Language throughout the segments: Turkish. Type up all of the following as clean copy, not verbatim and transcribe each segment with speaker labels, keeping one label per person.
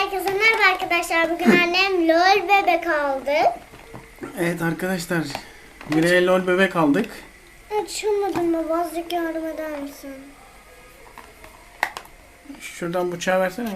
Speaker 1: Herkese merhaba arkadaşlar. Bugün annem LOL bebek aldı.
Speaker 2: Evet arkadaşlar, Miray'a LOL bebek aldık.
Speaker 1: Açamadım mı? Azıcık yardım eder misin?
Speaker 2: Şuradan bıçağı versene.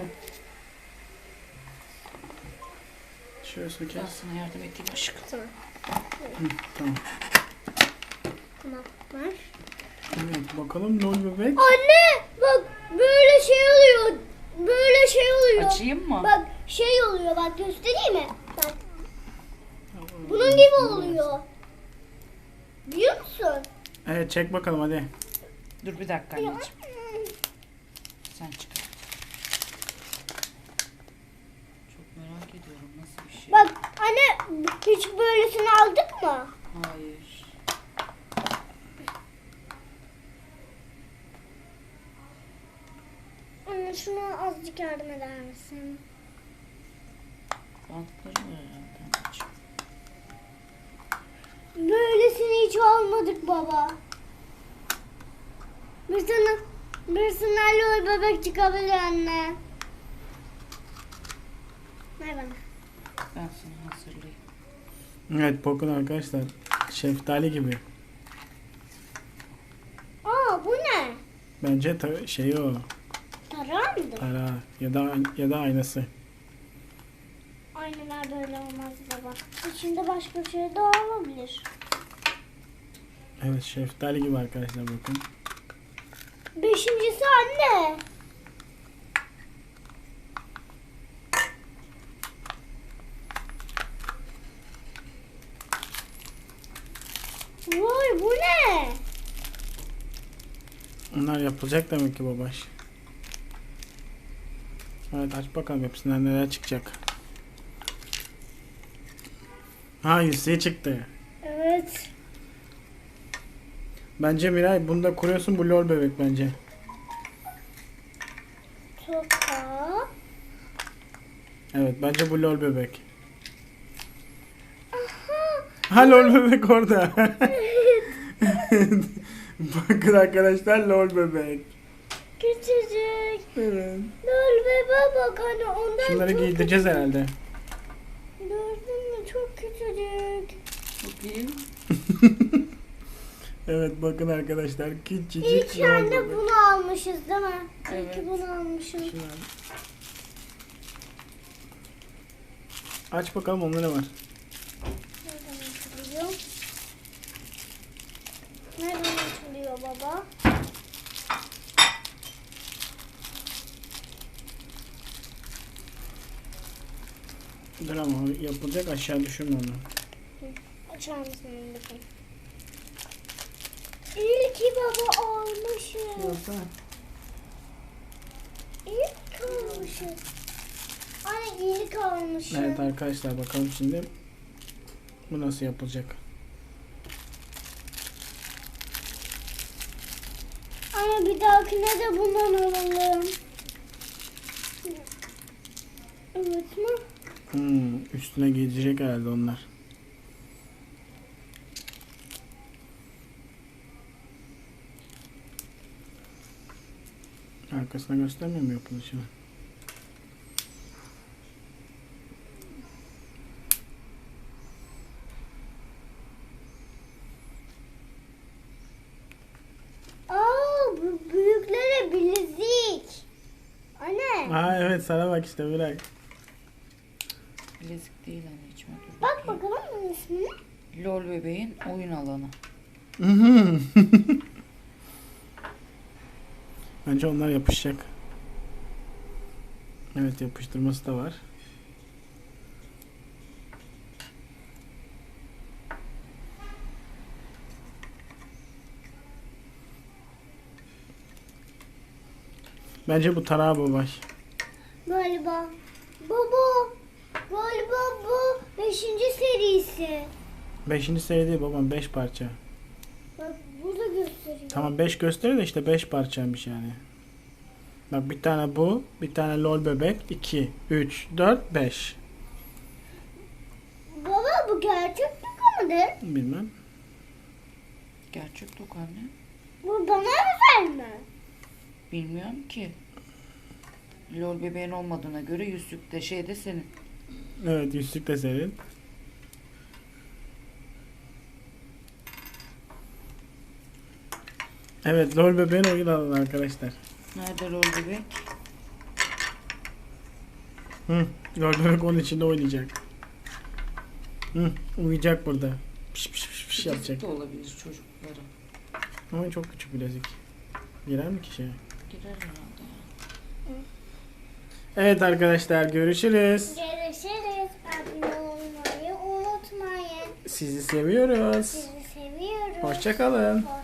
Speaker 2: Şöyle
Speaker 3: Ben
Speaker 2: sökeriz.
Speaker 3: sana yardım edeyim aşkım.
Speaker 1: Tamam.
Speaker 2: Tamam.
Speaker 1: Tamam. Ver.
Speaker 2: Evet bakalım LOL bebek.
Speaker 1: Anne! Bak böyle şey oluyor. Böyle şey oluyor.
Speaker 3: Açayım mı?
Speaker 1: Bak şey oluyor. Bak göstereyim mi? Bak. Bunun gibi oluyor. Biliyor musun?
Speaker 2: Evet çek bakalım hadi.
Speaker 3: Dur bir dakika anneciğim. Sen çıkar. Çok merak ediyorum nasıl bir şey.
Speaker 1: Bak anne hiç böylesini aldık mı?
Speaker 3: Hayır.
Speaker 1: Anne şuna azıcık yardım eder misin?
Speaker 3: Bantları var herhalde anneciğim.
Speaker 1: Böylesini hiç almadık baba. Bir sana LOL bebek çıkabilir anne. Ver bana.
Speaker 3: Ben sana hazırlayayım.
Speaker 2: Evet bakın arkadaşlar, şeftali gibi.
Speaker 1: Aa bu ne?
Speaker 2: Bence şey o,
Speaker 1: Tarar mıydı?
Speaker 2: para ya da aynası.
Speaker 1: Aynalar böyle olmaz baba. İçinde başka bir şey de olabilir.
Speaker 2: Evet şeftali gibi arkadaşlar bakın.
Speaker 1: Beşincisi anne. Vay bu ne?
Speaker 2: Onlar yapılacak demek ki babaş. Evet aç bakalım hepsinden neler çıkacak. Ha Yusuf'e çıktı.
Speaker 1: Evet.
Speaker 2: Bence Miray bunda kuruyorsun, bu LOL bebek bence.
Speaker 1: Toka.
Speaker 2: Evet bence bu LOL bebek.
Speaker 1: Aha.
Speaker 2: Ha LOL bebek orada. Bakın arkadaşlar LOL bebek.
Speaker 1: Küçücük.
Speaker 2: Evet.
Speaker 1: LOL bebe bak hani ondan
Speaker 2: Şunları
Speaker 1: çok
Speaker 2: giydireceğiz
Speaker 1: küçük.
Speaker 2: herhalde.
Speaker 1: Gördün mü? Çok küçücük.
Speaker 3: Bakayım.
Speaker 2: Evet bakın arkadaşlar küçücük
Speaker 1: İlk
Speaker 2: LOL
Speaker 1: anne
Speaker 2: bebek.
Speaker 1: bunu almışız değil mi?
Speaker 3: Evet.
Speaker 1: İlk bunu almışım.
Speaker 2: Şunu al. Aç bakalım onda ne var.
Speaker 1: Nereden açılıyor? Nereden açılıyor baba?
Speaker 2: Dur ama o yapılacak, aşağı düşürme onu.
Speaker 1: Açar mısın onu bakayım? İlki baba almışız.
Speaker 2: Yoksa
Speaker 1: İlk almışız. Anne ilk almışız.
Speaker 2: evet arkadaşlar bakalım şimdi bu nasıl yapılacak.
Speaker 1: Anne bir dahakine de bundan alalım. Evet mi?
Speaker 2: Üstüne giyecek herhalde onlar. Arkasına göstermiyor mu yapılışını?
Speaker 1: Aa bu büyüklere bilezik. Anne.
Speaker 2: Aa evet sana bak işte bırak.
Speaker 3: Bilezik değil anneciğim. Dur
Speaker 1: Bak
Speaker 3: bakayım.
Speaker 1: bakalım bunun ismini.
Speaker 3: LOL bebeğin oyun alanı.
Speaker 2: Bence onlar yapışacak. Evet yapıştırması da var. Bence bu tarağı babaş.
Speaker 1: Galiba. Baba. Galiba bu 5. serisi.
Speaker 2: 5. seri değil babam, 5 parça.
Speaker 1: Bak burada gösteriyor.
Speaker 2: Tamam 5 gösteriyor da işte 5 parçaymış yani. Bak bir tane bu, bir tane LOL bebek, 2, 3, 4, 5.
Speaker 1: Baba bu gerçek toka mıdır?
Speaker 2: Bilmem.
Speaker 3: Gerçek tok anne.
Speaker 1: Bu bana özel mi?
Speaker 3: Bilmiyorum ki. Lol bebeğin olmadığına göre yüzük de şey de senin.
Speaker 2: Evet, yüzük de senin. Evet, LOL bebeğin oyun alanı arkadaşlar.
Speaker 3: Nerede lol bebek?
Speaker 2: Hı, LOL bebek onun içinde oynayacak. Hı, uyuyacak burada. Piş piş piş piş yapacak.
Speaker 3: Bilezik de olabilir çocukların.
Speaker 2: Ama çok küçük bilezik. Girer mi ki şeye?
Speaker 3: Girer herhalde ya.
Speaker 2: Evet arkadaşlar, görüşürüz.
Speaker 1: Görüşürüz. Abone olmayı unutmayın.
Speaker 2: Sizi seviyoruz.
Speaker 1: Sizi seviyoruz.
Speaker 2: Hoşça kalın.